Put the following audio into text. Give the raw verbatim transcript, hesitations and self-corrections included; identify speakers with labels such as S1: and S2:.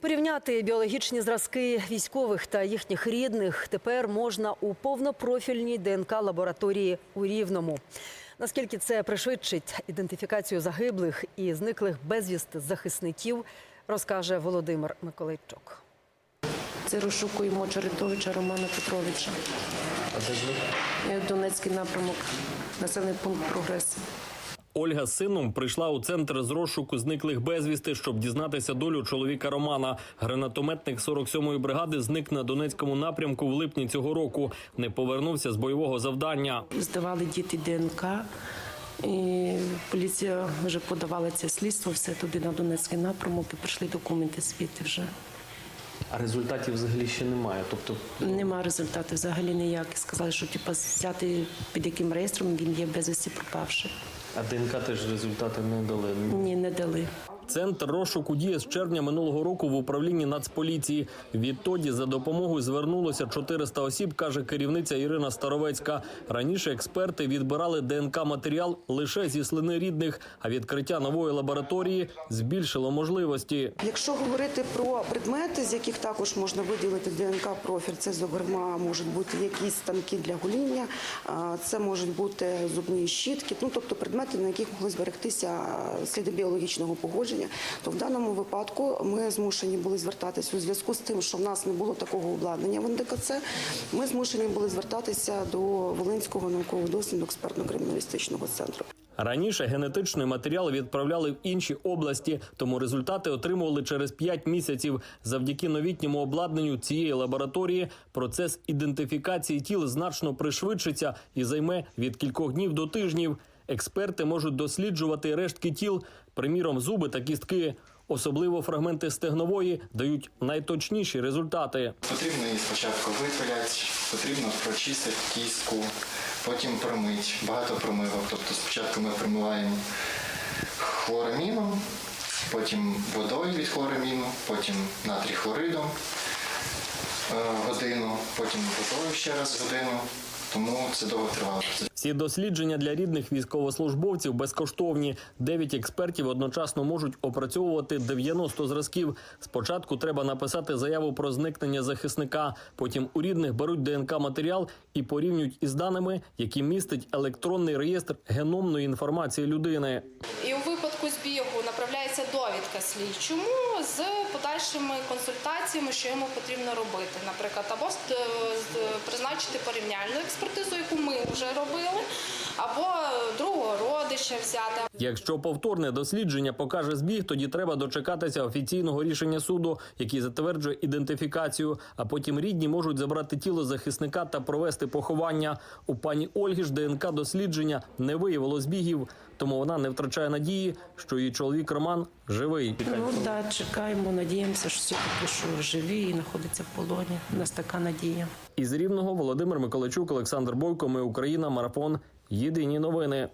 S1: Порівняти біологічні зразки військових та їхніх рідних тепер можна у повнопрофільній ДНК-лабораторії у Рівному. Наскільки це пришвидшить ідентифікацію загиблих і зниклих безвісти захисників, розкаже Володимир Миколайчук.
S2: Це розшукуємо Чередовича Романа Петровича.
S3: А де зник?
S2: Донецький напрямок, населений пункт «Прогрес».
S3: Ольга з сином прийшла у центр з розшуку зниклих безвісти, щоб дізнатися долю чоловіка Романа. Гранатометник сорок сьомої бригади зник на Донецькому напрямку в липні цього року. Не повернувся з бойового завдання.
S2: Здавали діти ДНК, і поліція вже подавала це слідство, все туди на Донецький напрямок, і прийшли документи звідти вже.
S3: А результатів взагалі ще немає? Тобто
S2: Нема результатів взагалі ніяких. Сказали, що типу, взяти під яким реєстром він є безвісти пропавший.
S3: а ДНК теж результати не дали?
S2: Ні, не дали.
S3: Центр розшуку діє з червня минулого року в управлінні Нацполіції. Відтоді за допомогою звернулося чотириста осіб, каже керівниця Ірина Старовецька. Раніше експерти відбирали ДНК-матеріал лише зі слини рідних, а відкриття нової лабораторії збільшило можливості.
S4: Якщо говорити про предмети, з яких також можна виділити ДНК-профіль, це, зокрема, можуть бути якісь станки для гоління, це можуть бути зубні щітки, ну, тобто предмети, на яких могли зберегтися сліди біологічного походження, то в даному випадку ми змушені були звертатися у зв'язку з тим, що в нас не було такого обладнання в ен де ка це, ми змушені були звертатися до Волинського науково-дослідного експертно-криміналістичного центру.
S3: Раніше генетичний матеріал відправляли в інші області, тому результати отримували через п'ять місяців. Завдяки новітньому обладнанню цієї лабораторії процес ідентифікації тіл значно пришвидшиться і займе від кількох днів до тижнів. Експерти можуть досліджувати рештки тіл, приміром, зуби та кістки. Особливо фрагменти стегнової дають найточніші результати.
S5: Потрібно її спочатку випиляти, потрібно прочистити кістку, потім промити, багато промивок. Тобто спочатку ми промиваємо хлораміном, потім водою від хлораміну, потім натрій хлоридом годину, потім водою ще раз годину. Тому це довго тривало.
S3: Всі дослідження для рідних військовослужбовців безкоштовні. Дев'ять експертів одночасно можуть опрацьовувати дев'яносто зразків. Спочатку треба написати заяву про зникнення захисника. Потім у рідних беруть ДНК-матеріал і порівнюють із даними, які містить електронний реєстр геномної інформації людини.
S6: І у випадку збігу направляється довідка слідчому з подальшими консультаціями, що йому потрібно робити. Наприклад, або призначити порівняльну експертизу, яку ми вже робили, або другого родича взяти.
S3: Якщо повторне дослідження покаже збіг, тоді треба дочекатися офіційного рішення суду, який затверджує ідентифікацію, а потім рідні можуть забрати тіло захисника та провести поховання. У пані Ольги ж ДНК-дослідження не виявило збігів, тому вона не втрачає надії, що її чоловік Роман живий.
S2: Ну так, да, чекаємо, надіємося, що все-таки що живі і знаходиться в полоні. У нас така надія.
S3: Із Рівного Володимир Миколайчук, Олександр Бойко. Ми Україна. Марафон. Єдині новини.